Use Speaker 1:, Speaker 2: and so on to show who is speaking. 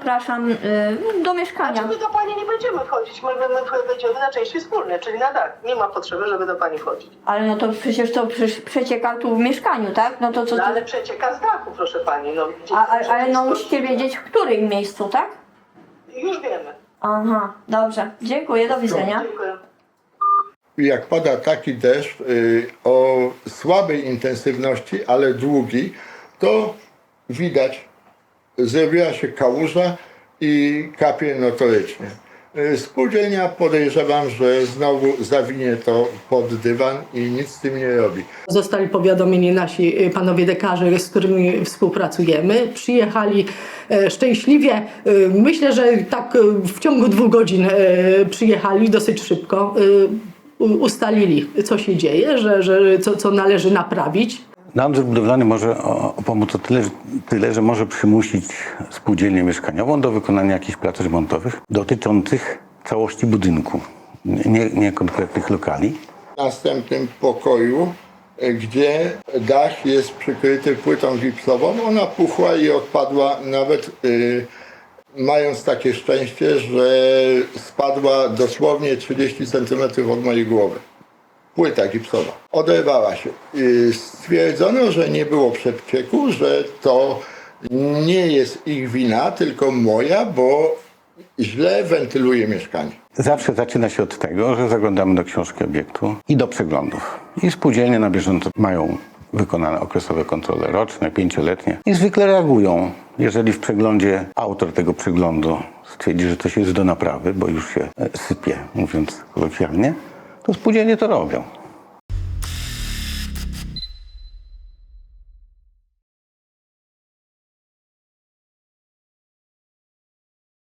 Speaker 1: zapraszam do mieszkania.
Speaker 2: Znaczy my do pani nie będziemy wchodzić, my będziemy na części wspólnej, czyli na dach. Nie ma potrzeby, żeby do pani wchodzić.
Speaker 1: Ale no to przecież to przecieka tu w mieszkaniu, tak? No to co?
Speaker 2: No, ale przecieka z dachu, proszę pani. No,
Speaker 1: Ale no musicie wiedzieć, w którym miejscu, tak?
Speaker 2: Już wiemy.
Speaker 1: Aha, dobrze. Dziękuję, do widzenia.
Speaker 2: Dziękuję.
Speaker 3: Jak pada taki deszcz o słabej intensywności, ale długi, to widać, zrobiła się kałuża i kapie notorycznie. Spółdzielnia podejrzewam, że znowu zawinie to pod dywan i nic z tym nie robi.
Speaker 4: Zostali powiadomieni nasi panowie dekarze, z którymi współpracujemy. Przyjechali szczęśliwie. Myślę, że tak w ciągu 2 godzin przyjechali dosyć szybko. Ustalili, co się dzieje, co należy naprawić.
Speaker 5: Nadzór budowlany może pomóc o tyle, że może przymusić spółdzielnię mieszkaniową do wykonania jakichś prac remontowych dotyczących całości budynku, nie konkretnych lokali.
Speaker 3: W następnym pokoju, gdzie dach jest przykryty płytą gipsową, ona puchła i odpadła nawet mając takie szczęście, że spadła dosłownie 30 cm od mojej głowy. Płyta gipsowa. Oderwała się. Stwierdzono, że nie było przecieku, że to nie jest ich wina, tylko moja, bo źle wentyluje mieszkanie.
Speaker 5: Zawsze zaczyna się od tego, że zaglądamy do książki obiektu i do przeglądów. I spółdzielnie na bieżąco mają wykonane okresowe kontrole roczne, 5-letnie i zwykle reagują. Jeżeli w przeglądzie autor tego przeglądu stwierdzi, że coś jest do naprawy, bo już się sypie, mówiąc kolokwialnie, to spółdzielnie to robią.